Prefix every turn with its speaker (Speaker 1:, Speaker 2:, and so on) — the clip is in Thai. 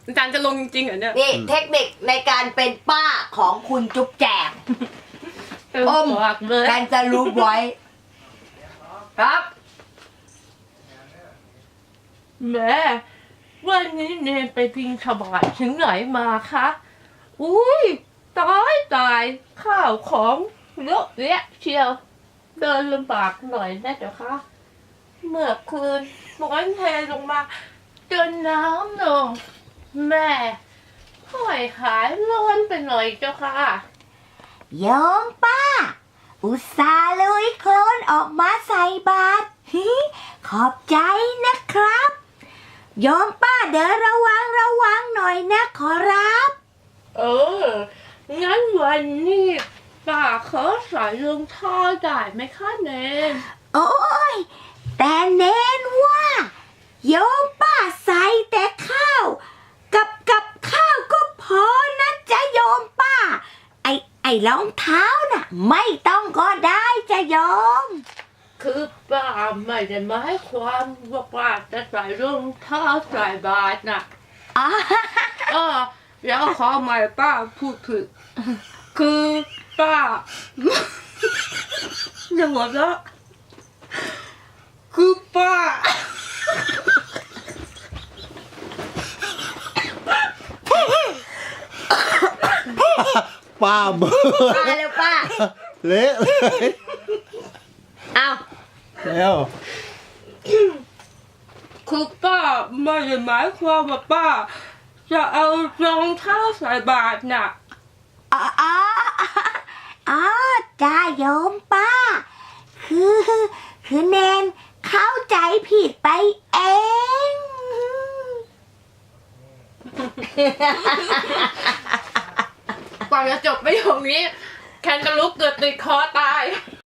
Speaker 1: อาจารย์จะลงจริงๆเหรอเนี่ย
Speaker 2: นี่เทคนิคในการเป็นป้าของคุณจุ๊บแจงอมแคนจะรู้ไว้ครับ
Speaker 3: แม่วันนี้เนนไปพิงขบาดถึงไหนมาคะอุ้ยตายข้าวของเยอะแยะเชียวเดินลำบากหน่อยนะเจ้าคะเมื่อคืนฝนเทลงมาจนน้ำลงแม่ค่อยหายร้อนไปหน่อยเจ้าค่ะ
Speaker 2: โยมป้าอุตส่าห์ลุยโคลนออกมาใส่บาตรขอบใจนะครับโยมป้าเดินระวังหน่อยนะขอรับ
Speaker 3: งั้นวันนี้ป้าขอใส่รองเท้าได้ไหมคะเนน
Speaker 2: โอ้ยแต่เน้นว่าโยมป้าใส่แต่ข้าวกับข้าวก็พอนะจ๊ะโยมป้าไอ้รองเท้าน่ะไม่ต้องก็ได้จ๊ะโยม
Speaker 3: คือป้าไม่ได้หมายความว่าป้าจะใส่รองเท้าใส่บาตรน่ะ
Speaker 1: แล้วขอใหม่ป้าพูดผิดคือป้าอย่าหัวเราะคือป้า
Speaker 4: ป้าเบอร์
Speaker 2: ป้าเร็วป้า
Speaker 4: เละเลย
Speaker 2: เอา
Speaker 4: แล้ว
Speaker 1: คือป้าไม่ได้หมายความว่าป้าจะเอารองเท้าใส่บาตรน่ะ
Speaker 2: อ๋อจ้าโยมป้าคือเนนเข้าใจผิดไปเอง
Speaker 1: กว่าจะจบประโยคนี้แคนจะลุกเกิดติดคอตาย